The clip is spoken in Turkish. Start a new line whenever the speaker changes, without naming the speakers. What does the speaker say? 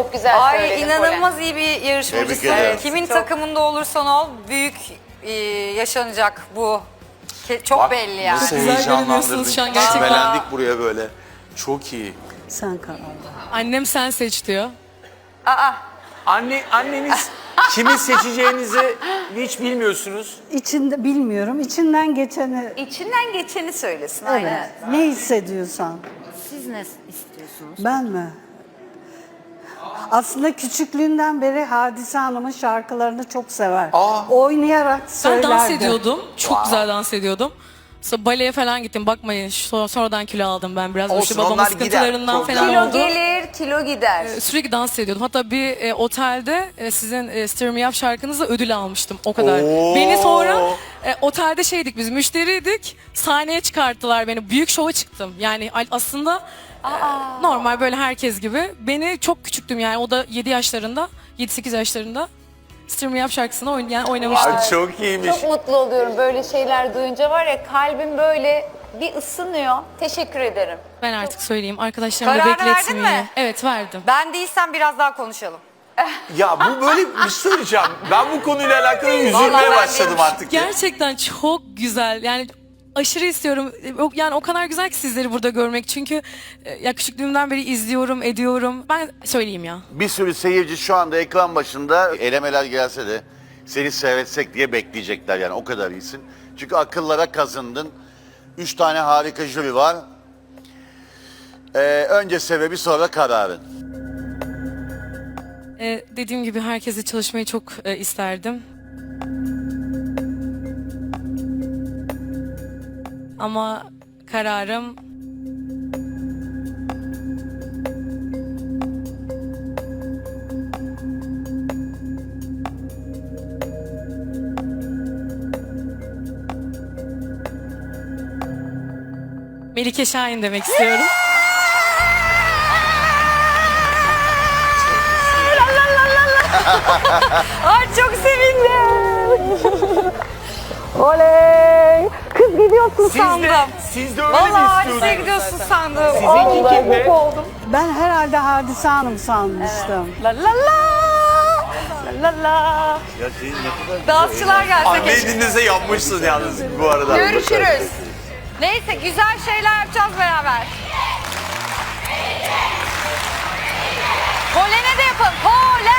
Çok güzel
Ay
söyledin
inanılmaz iyi bir yarışmacısın.
Tebrik ederim.
Kimin
Çok.
takımında olursan ol büyük yaşanacak bu. Çok
Bak,
belli yani.
nasıl
Güzel
heyecanlandırdın.
görünüyorsunuz şu an gerçekten.
Çimelendik buraya böyle. Çok iyi.
Sen karar ver.
Annem sen seç diyor.
Aa,
Anneniz kimi seçeceğinizi hiç bilmiyorsunuz.
İçinde bilmiyorum. İçinden geçeni
içinden geçeni söylesin.
evet.
Aynen.
Ne hissediyorsan.
Siz ne istiyorsunuz?
Ben mi? Aslında küçüklüğünden beri Hadise Hanım'ın şarkılarını çok sever. Oynayarak
Ben
söylerdi.
dans ediyordum. Çok güzel dans ediyordum. Sonra baleye falan gittim. Bakmayın sonradan kilo aldım ben biraz.
Olsun,
İşte babamın
onlar gider.
sıkıntılarından
Problem
falan
Kilo
oldu.
gelir, kilo gider.
Sürekli dans ediyordum. Hatta bir otelde sizin Stir Me Up şarkınızla ödül almıştım. O kadar.
Oo.
Beni sonra otelde şeydik biz müşteriydik. Sahneye çıkarttılar beni. Büyük şova çıktım. Yani aslında normal böyle herkes gibi. Beni çok küçüktüm yani. O da 7 yaşlarında, 7-8 yaşlarında Stir Me Up şarkısını oynamıştım.
Ay, çok iyiymiş.
Çok mutlu oluyorum böyle şeyler duyunca var ya kalbim böyle bir ısınıyor. Teşekkür ederim.
Ben artık söyleyeyim. Arkadaşlarımı da
Kararını verdin
bekletmeyeyim.
mi?
Evet verdim.
Ben değilsem biraz daha konuşalım.
Ya bu böyle bir şey söyleyeceğim. Ben bu konuyla alakalı üzülmeye
ben
başladım
değilim.
artık. ya.
Gerçekten çok güzel. Yani aşırı istiyorum. Yani o kadar güzel ki sizleri burada görmek. Çünkü ya küçüklüğümden beri izliyorum, ediyorum. Ben söyleyeyim ya.
Bir sürü seyirci şu anda ekran başında elemeler gelse de seni seyretsek diye bekleyecekler yani o kadar iyisin. Çünkü akıllara kazındın. 3 tane harika jüri var. Önce sebebi sonra kararın.
Dediğim gibi herkesle çalışmayı çok isterdim. Ama kararım Melike Şahin demek istiyorum.
Ay çok sevindim. Oley. Kız gidiyorsun sandım.
Siz de öyle
Vallahi
mi
Hadise
istiyordunuz?
gidiyorsun sandım.
Sizinki kim be?
Ben herhalde Hadise Hanım sanmıştım.
La la la. La la la.
Ya senin ne kadar
Dansçılar gelse
Anneyi
keşke.
dinlese yapmışsın yalnız bu arada.
Görüşürüz. Neyse güzel şeyler yapacağız beraber. Polene de yapalım. Polen.